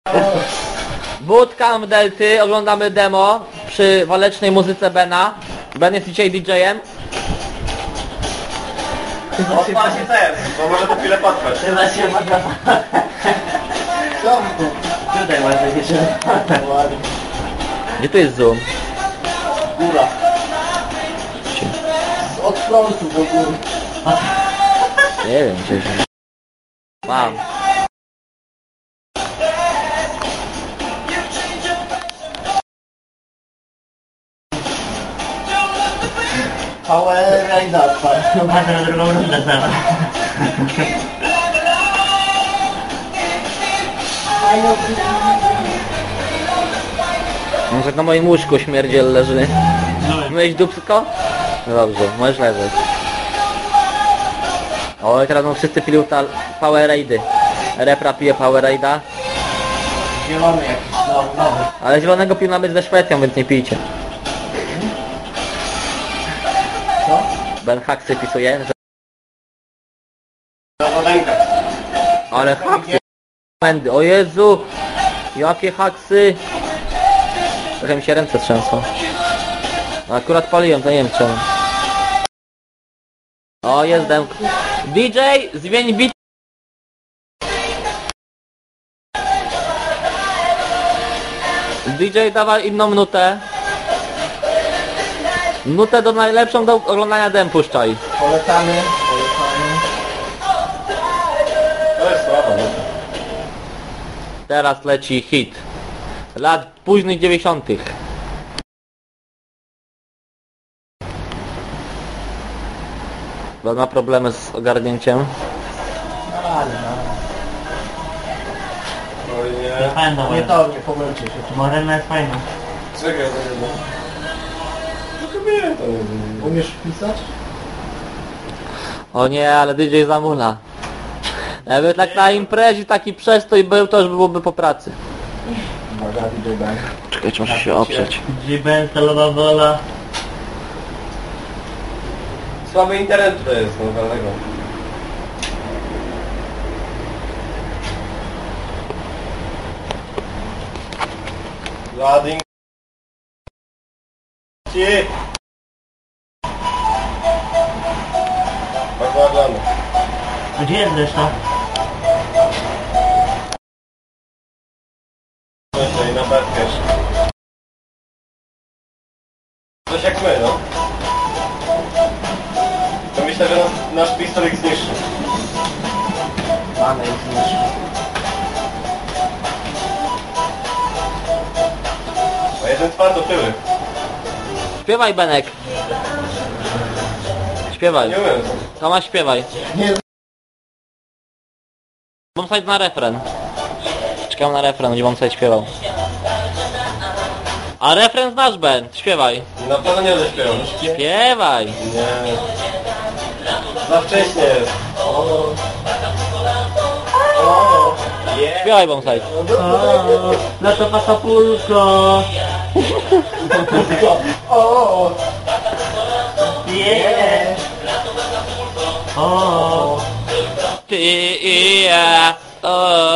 Bootcamp Delty, oglądamy demo przy walecznej muzyce Bena. Ben jest dzisiaj DJ-em. Odpal się ten, bo może to chwilę potrwać. Chyba się można... Tutaj masz takie czerwone. Gdzie tu jest zoom? Góra. Od frontu do góry. Nie wiem, gdzieś. Mam. Power Ranger. Chyba na drugą rundę zaraz. Może na moim łóżku śmierdziel leży. Myłeś dupsko? No dobrze, możesz leżeć. O, i teraz no wszyscy pili Power Raidy. Repra pije Power Raida. Zielony jakiś nowy. Ale zielonego pił nawet ze Szwecją, więc nie pijcie. Co? Ben haksy pisuje, że... Zawodenka. Ale haksy! O Jezu! Jakie haksy! Trochę mi się ręce trzęsą. Akurat paliłem, to nie wiem czemu. O, jest demk. DJ, zmień bit. DJ, dawaj inną nutę. Nutę do najlepszą do oglądania dem puszczaj. Polecamy. To jest słabo, no. Teraz leci hit. Lat późnych 90. Bo ma problemy z ogarnięciem. Ale Oj To nie. fajna no. Nie to, nie pomylcie się. Morena jest fajna. Czekaj, no. Tylko mnie to nie wiem. Umiesz pisać? O nie, ale DJ zamula. Jakby tak na imprezie taki przestój był, to już byłoby po pracy. Uwaga, DJ Bank. Czekajcie, muszę się oprzeć. G-Ben, stalowa wola. Słaby internet to jest, no dlatego. Loading. Ci. Bardzo oglądam. Gdzie jest reszta? Myślę i na betkę. Coś jak my, no. To myślę, że nasz pistolet zniszczy. Mamy ich zniszczyć. A jeden twardo tyły. Śpiewaj, Benek. Śpiewaj. Nie umiem. Tomasz, śpiewaj. Nie. Bombsite na refren. Czekam na refren, będzie Bombsite śpiewał. A refren znasz, Ben. Śpiewaj. Na pewno nie zaśpiewam. Śpiewaj. Nie. Za wcześnie jest. Śpiewaj, Bombsite. No to pasapulko. O! Yeah. O. Ty i ja. O.